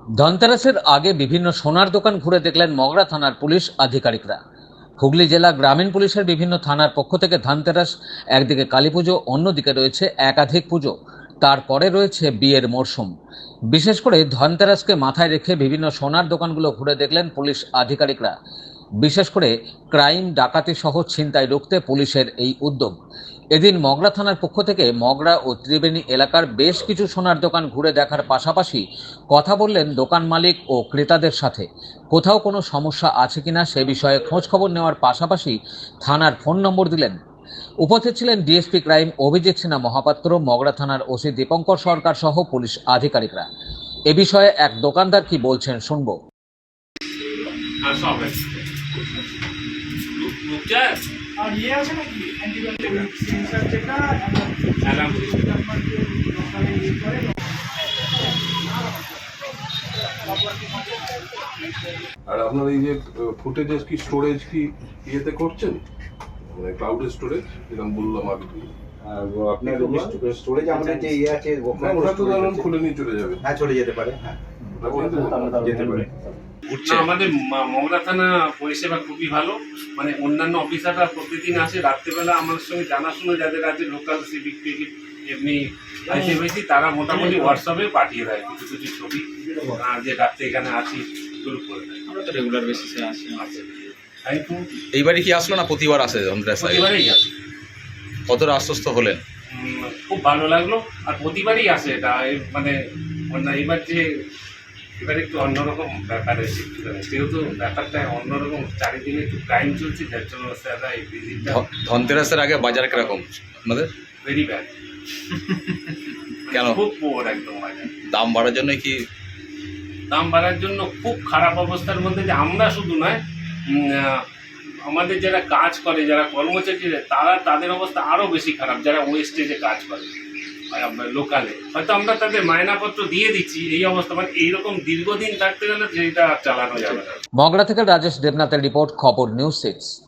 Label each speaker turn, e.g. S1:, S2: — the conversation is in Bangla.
S1: ধনতেরাসের আগে বিভিন্ন সোনার দোকান ঘুরে দেখলেন মগরা থানার পুলিশ আধিকারিকরা। হুগলি জেলা গ্রামীণ পুলিশের বিভিন্ন থানার পক্ষ থেকে ধনতেরাস, একদিকে কালী পুজো, অন্যদিকে রয়েছে একাধিক পুজো, তারপরে রয়েছে বিয়ের মরশুম। বিশেষ করে ধনতেরাসকে মাথায় রেখে বিভিন্ন সোনার দোকানগুলো ঘুরে দেখলেন পুলিশ আধিকারিকরা। বিশেষ করে ক্রাইম, ডাকাতি সহ ছিনতাই রুখতে পুলিশের এই উদ্যোগ। এদিন মগরা থানার পক্ষ থেকে মগরা ও ত্রিবেণী এলাকার বেশ কিছু সোনার দোকান ঘুরে দেখার পাশাপাশি কথা বললেন দোকান মালিক ও ক্রেতাদের সাথে। কোথাও কোনো সমস্যা আছে কিনা সে বিষয়ে খোঁজ খবর নেওয়ার পাশাপাশি থানার ফোন নম্বর দিলেন। উপস্থিত ছিলেন ডিএসপি ক্রাইম অভিজিৎ সিনহা মহাপাত্র, মগরা থানার ওসি দীপঙ্কর সরকার সহ পুলিশ আধিকারিকরা। এ বিষয়ে এক দোকানদার কি বলছেন শুনবো।
S2: আর ইয়ে আছে নাকি অ্যান্টিবায়োটিক সেন্সার যেটা লোকালে ইয়ে করে।
S3: আর আপনার এই যে ফুটেজেস কি স্টোরেজ কি ইয়েতে করছেন, মানে ক্লাউড স্টোরেজ যেরকম বললাম আগে?
S4: আপনার স্টোরেজ আমাদের যে ইয়ে আছে
S3: ওটা তো ধরুন খুলে নিয়ে চলে যাবে।
S4: হ্যাঁ, চলে যেতে পারে। হ্যাঁ, যেতে পারে।
S5: আমাদের মগরা থানা পরিষেবা খুবই ভালো। মানে অন্যান্য অফিসাররা প্রতিদিন আসে রাত্রেবেলা আমার সঙ্গে জানাশোনা যাদের আছে, লোকাল সিভিক টিভিক এমনি আইসিএমআইসি, তারা মোটামুটি হোয়াটসঅ্যাপে পাঠিয়ে দেয় কিছু কিছু ছবি, যে রাত্রে এখানে আছি গ্রুপ করে দেয়।
S6: আমরা তো রেগুলার বেসিসে আসি।
S7: এইবারই কি আসলো না প্রতিবার আসে ধনতেরাস?
S5: প্রতিবারেই আসে।
S7: কতটা আশ্বস্ত হলেন?
S5: খুব ভালো লাগলো। আর প্রতিবারই আসে এটা, মানে এবার যে এবার একটু অন্যরকম ব্যাপার এসে, যেহেতু ব্যাপারটা অন্যরকম, চারিদিকে একটু ক্রাইম চলছে, যার জন্য স্যাররা এই ভিজিটটা।
S7: ধনতেরাসের আগে বাজার কিরকম আপনাদের?
S5: Very bad.
S7: কেন?
S5: খুব পোর একদম বাজার।
S7: দাম বাড়ার জন্য কি?
S5: দাম বাড়ার জন্য খুব খারাপ অবস্থার মধ্যে, যে আমরা শুধু নয়, আমাদের যারা কাজ করে, যারা কর্মচারী, তাদের অবস্থা আরও বেশি খারাপ, যারা ওয়েস্টেজে কাজ করে লোকালে। হয়তো আমরা তাদের মায়নাপত্র দিয়ে দিচ্ছি, এই অবস্থা। মানে এইরকম দীর্ঘদিন থাকতে গেলে যেটা চালানো যাবে না।
S1: মগরা থেকে রাজেশ দেবনাথের রিপোর্ট, খবর নিউজ 6।